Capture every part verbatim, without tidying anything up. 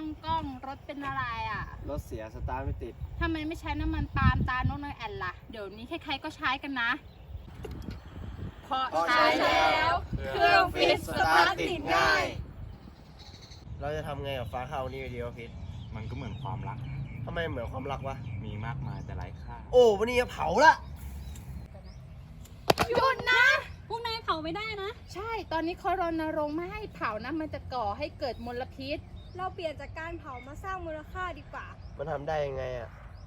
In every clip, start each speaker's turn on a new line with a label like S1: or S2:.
S1: องกล้องรถเป็นอะไรอ่ะ
S2: รถเสียสตาร์ทไม่ติด
S1: ทำไมไม่ใช้น้ำมันปาล์มตาโนกนอยแอนล่ะเดี๋ยวนี้ใครๆก็ใช้กันนะเพราะใช้แล้วเครื่องฟิตสตาร์ทติดง่าย
S2: เราจะทำไงกับฟ้าข้าวนี่ดีวะพิษ
S3: มันก็เหมือนความรัก
S2: ทำไมเหมือนความรักวะ
S3: มีมากมายแต่ไร้ค่า
S2: โอ้วันนี้จะเผาละ
S1: หยุดนะ
S4: พวกนายเผาไม่ได้นะ
S1: ใช่ตอนนี้เขารณรงค์ไม่ให้เผานะมันจะก่อให้เกิดมลพิษ
S4: เราเปลี่ยนจากการเผามาสร้างมูลค่าดีกว่า
S2: มันทำได้ยังไงอะ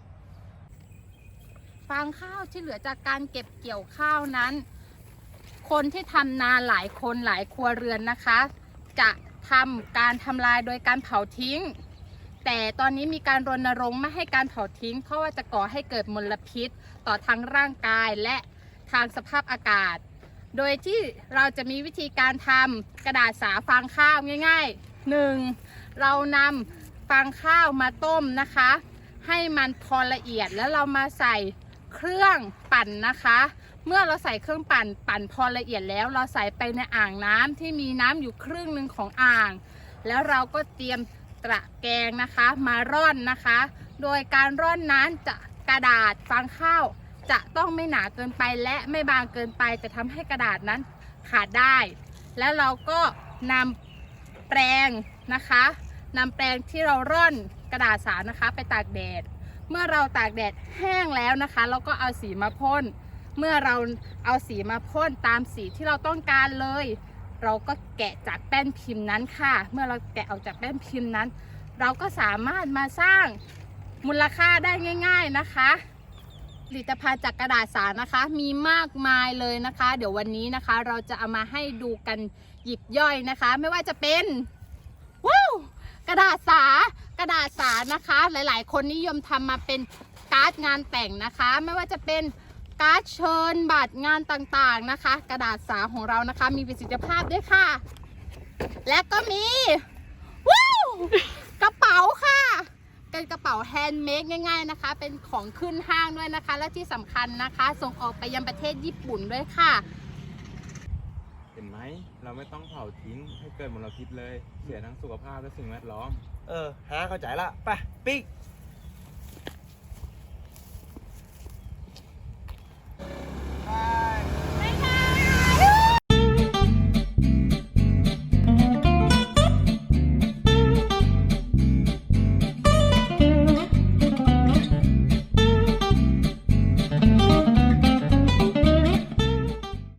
S1: ฟางข้าวที่เหลือจากการเก็บเกี่ยวข้าวนั้นคนที่ทำนาหลายคนหลายครัวเรือนนะคะจะทำการทำลายโดยการเผาทิ้งแต่ตอนนี้มีการรณรงค์ไม่ให้การเผาทิ้งเพราะว่าจะก่อให้เกิดมลพิษต่อทั้งร่างกายและทางสภาพอากาศโดยที่เราจะมีวิธีการทำกระดาษสาฟางข้าวง่ายๆ หนึ่ง เรานำฟางข้าวมาต้มนะคะให้มันพอละเอียดแล้วเรามาใส่เครื่องปั่นนะคะเมื่อเราใส่เครื่องปั่นปั่นพอละเอียดแล้วเราใส่ไปในอ่างน้ำที่มีน้ำอยู่ครึ่งหนึ่งของอ่างแล้วเราก็เตรียมตะแกรงนะคะมาร่อนนะคะโดยการร่อนนั้นจะกระดาษฟางข้าวจะต้องไม่หนาเกินไปและไม่บางเกินไปจะทำให้กระดาษนั้นขาดได้แล้วเราก็นำแปรงนะคะนำแปรงที่เราร่อนกระดาษสานะคะไปตากแดดเมื่อเราตากแดดแห้งแล้วนะคะเราก็เอาสีมาพ่นเมื่อเราเอาสีมาพ่นตามสีที่เราต้องการเลยเราก็แกะจากแป้นพิมพ์นั้นค่ะเมื่อเราแกะออกจากแป้นพิมพ์นั้นเราก็สามารถมาสร้างมูลค่าได้ง่ายๆนะคะผลิตภัณฑ์จากกระดาษสานะคะมีมากมายเลยนะคะเดี๋ยววันนี้นะคะเราจะเอามาให้ดูกันหยิบย่อยนะคะไม่ว่าจะเป็นว้าวกระดาษสากระดาษสานะคะหลายๆคนนิยมทำมาเป็นการ์ดงานแต่งนะคะไม่ว่าจะเป็นการ์ดเชิญบัตรงานต่างๆนะคะกระดาษสาของเรานะคะมีประสิทธิภาพด้วยค่ะและก็มีว้าวกระเป๋าค่ะเป็นกระเป๋าแฮนด์เมดง่ายๆนะคะเป็นของขึ้นห้างด้วยนะคะและที่สำคัญนะคะส่งออกไปยังประเทศญี่ปุ่นด้วยค่ะ
S3: เห็นไหมเราไม่ต้องเผาทิ้งให้เกิดมลพิษเลยเสียทั้งสุขภาพและสิ่งแวดล้อม
S2: เออฮะเข้าใจละไปปิ๊ก
S5: ครับ